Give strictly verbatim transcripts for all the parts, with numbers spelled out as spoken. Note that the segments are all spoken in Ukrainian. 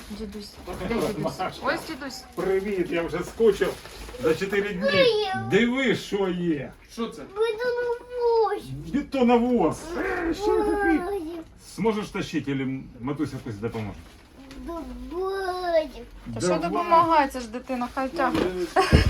Дідусь. Де дідусь? Ось дідусь. Привіт, я вже скучив за чотири дні. Диви, що є. Що це? Бетоновоз. Е, Ще такий. Зможеш тащити, або матуся якось допоможе? Та що допомагає? Це ж дитина, хай тягне.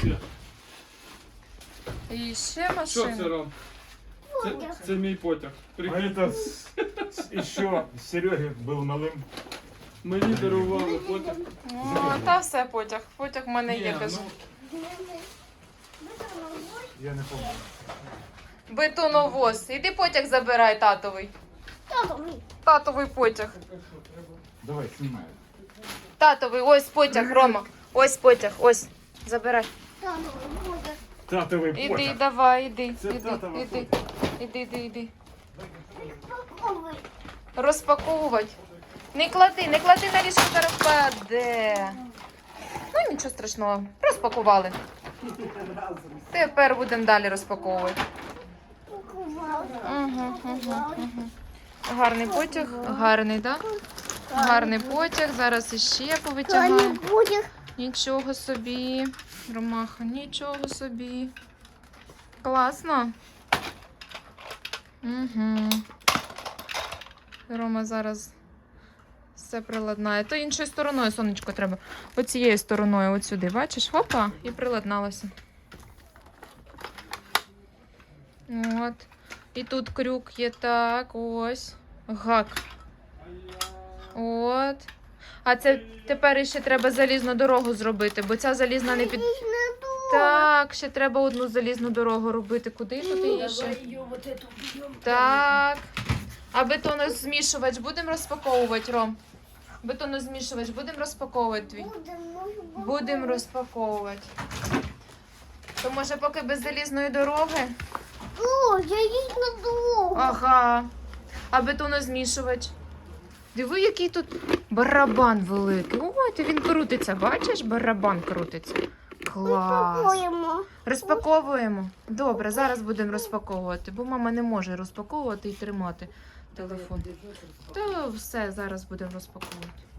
І ще Що машина. це, Ром? Це, це мій потяг. А Прикинь, это с- с- еще Сереге был малым. мені дарували потяг. О, та все потяг. Потяг в мене є, Ні, кажу. ну, Я не помню. Бетоновоз. Іди потяг забирай, татовий. Татовий потяг. Давай, снимай. Татовий, ось потяг, Рома. Ось потяг, ось. Забирай. Татовий Іди, потяг. давай, іди, Це іди, татова іди, потяг. іди, іди, іди. Розпаковувати. Не клади, не клади на ліжко, зараз впаде. Ну нічого страшного, розпакували. Тепер будемо далі розпаковувати. Угу, угу, угу. Гарний потяг, гарний, так? Да? Гарний потяг, зараз іще повитягаємо. Нічого собі, Ромаха, нічого собі. Класно. Угу. Рома зараз все приладнає. То іншою стороною, сонечко, треба. Оцією стороною, от сюди, бачиш? Хопа, і приладналося. От. І тут крюк є, так, ось. Гак. От. А це тепер ще треба залізну дорогу зробити, бо ця залізна не під... Так, ще треба одну залізну дорогу робити. Куди тут її ще? Так. А бетонозмішувач будемо розпаковувати, Ром? Бетонозмішувач будемо розпаковувати твій? Будемо розпаковувати. То може поки без залізної дороги? О, я їй надовго. Ага. А бетонозмішувач? Диви, який тут барабан великий. Ой, то він крутиться, бачиш? Барабан крутиться. Клас. Пакуємо. Розпаковуємо? Добре, зараз будемо розпаковувати, бо мама не може розпаковувати і тримати телефон. То все, зараз будемо розпаковувати.